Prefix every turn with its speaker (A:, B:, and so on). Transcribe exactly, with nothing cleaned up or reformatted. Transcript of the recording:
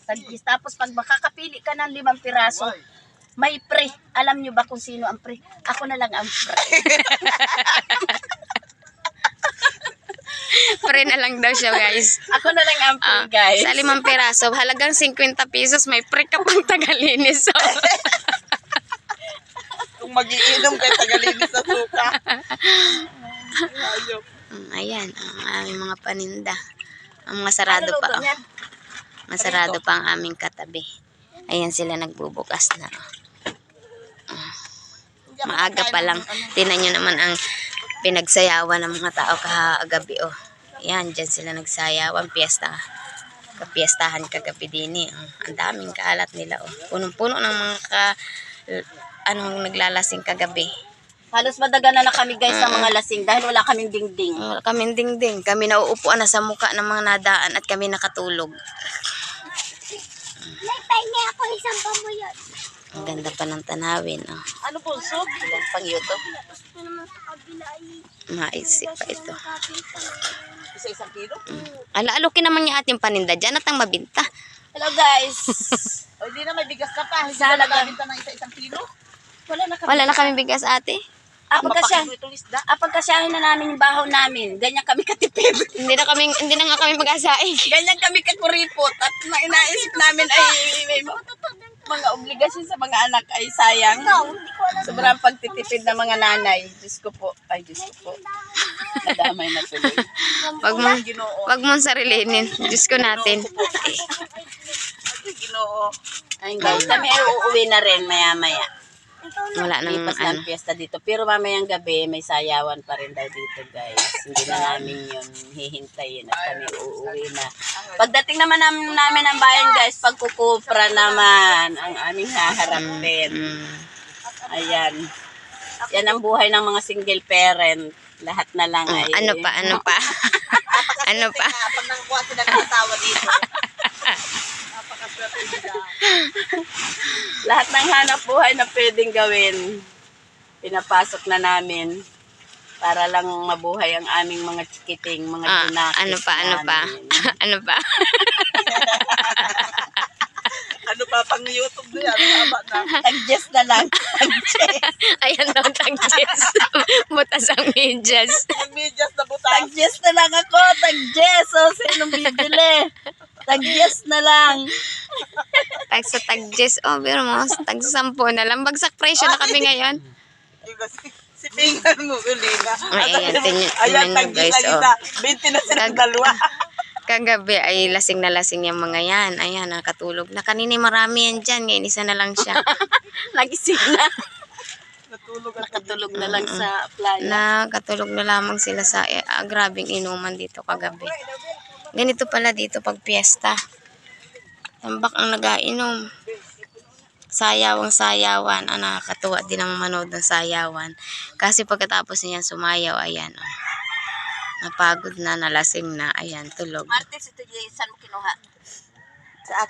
A: Tagis. Tapos pag makakapili ka ng limang piraso, may pre. Alam nyo ba kung sino ang pre? Ako na lang ang pre.
B: Pre na lang daw siya, guys.
A: Ako na lang ang pre,
B: Ah,
A: guys.
B: Sa limang piraso, halagang fifty pesos, may pre ka pang tagalinis. So,
C: Kung magiinom kay tagalinis sa suka. Ayok.
B: mm, ayan, ang aming mga paninda. Ang mga sarado
A: Ano
B: pa.
A: luto
B: Oh.
A: niya?
B: Masarado pa ang aming katabi. Ayan sila nagbubukas na. Oh. Ah, maaga pa lang. Tingnan nyo naman ang pinagsayawan ng mga tao kahagabi. Oh. Ayan, dyan sila nagsayawan. Piyesta. Kapiestahan kagabi din eh. Oh. Ang daming kalat nila. Oh. Punong-puno ng mga ka, anong naglalasing kagabi.
A: Halos madagana na kami guys sa mga lasing dahil wala kaming dingding.
B: Wala kaming dingding. Kami nauupuan na sa muka ng mga nadaan at kami nakatulog.
A: Nagpahinga ako isang pamuyon.
B: Ang ganda pa ng tanawin. Oh.
A: Ano po, so? Ilan pang YouTube?
B: Maisip pa ito.
C: Isa-isang kilo?
B: Ala-alokin naman yung ating paninda dyan at ang mabinta.
A: Hello guys.
C: O, hindi na may bigas ka pa. Hindi
A: Sana
C: na
A: lang.
C: nabinta ng isa-isang kilo.
A: Wala na kami.
B: Wala na kami bigas ate.
A: Ah, pagkasya.
C: Mapakito itong isda.
A: Ah, pagkasyahin na namin yung bahaw namin. Ganyan kami katipid.
B: Hindi na kami hindi na nga kami mag-asaing.
A: Ganyan kami kakuripot. At na inaisip namin ay may mga, mga obligasyon sa mga anak ay sayang. Sobrang pagtitipid ng mga nanay. Diyos ko po. Ay, Diyos ko po. Nadamay na tuloy.
B: Wag mo wag mo sarilinin. Diyos ko natin.
C: Ginoo.
A: Ayun guys, kami ay uuwi na rin maya-maya.
B: Wala nang
A: Lipas
B: ano.
A: ng piyesta dito. Pero mamayang gabi, may sayawan pa rin daw dito, guys. Hindi na namin yun hihintayin at kami uuwi na. Pagdating naman namin, namin ng bayan, guys, pagkukupra naman ang aming haharapin.
B: Mm.
A: Ayan. Yan ang buhay ng mga single parent. Lahat na lang
B: Oh,
A: ay...
B: ano pa? Ano pa? ano pa?
C: Pag nangkuha sila ng asawa dito. Napakaswerte nila.
A: Lahat ng hanap buhay na pwedeng gawin, pinapasok na namin para lang mabuhay ang aming mga chikiting, mga
B: Ah,
A: junakis
B: ano pa? Ano pa?
A: namin.
B: ano pa?
C: Ano pa pang YouTube na yan? Haba na.
A: Tag-Jess na lang. Tag-Jess.
B: Ayan daw tag-Jess. Butas ang medyas.
C: Yung medyas na butas.
A: Tag-Jess na lang ako. Tag-Jess. O, sinong bibili? Tag-Jess na lang.
B: Tag sa tag-Jess. Oh, pero mo, tag sampo na lang. Bagsak presyo na kami ngayon.
C: Si, si Pingan mo, Ulina.
B: Ay, ayan, tingnan-
C: Ayan,
B: tingnan nyo,
C: tag-isa
B: guys, oh.
C: isa. twenty na silang
B: Tag-
C: dalawa.
B: Kagabi ay lasing na lasing yung mga yan. Ayan, nakatulog na. Kanina marami yan dyan. Ngayon isa na lang siya.
A: Nagising na.
C: Natulog at
A: Nakatulog na lang sa playa.
B: Nakatulog na lamang sila sa eh, ah, grabing inuman dito kagabi. Ganito pala dito pag piyesta. Tambak ang nagainom. Sayawang sayawan. Ah, nakakatuwa din ang manood ng sayawan. Kasi pagkatapos niyan sumayaw, ayan. Oh. Napagod na, nalasing na. Ayan, tulog.
A: Martes, ito saan mo kinuha? Sa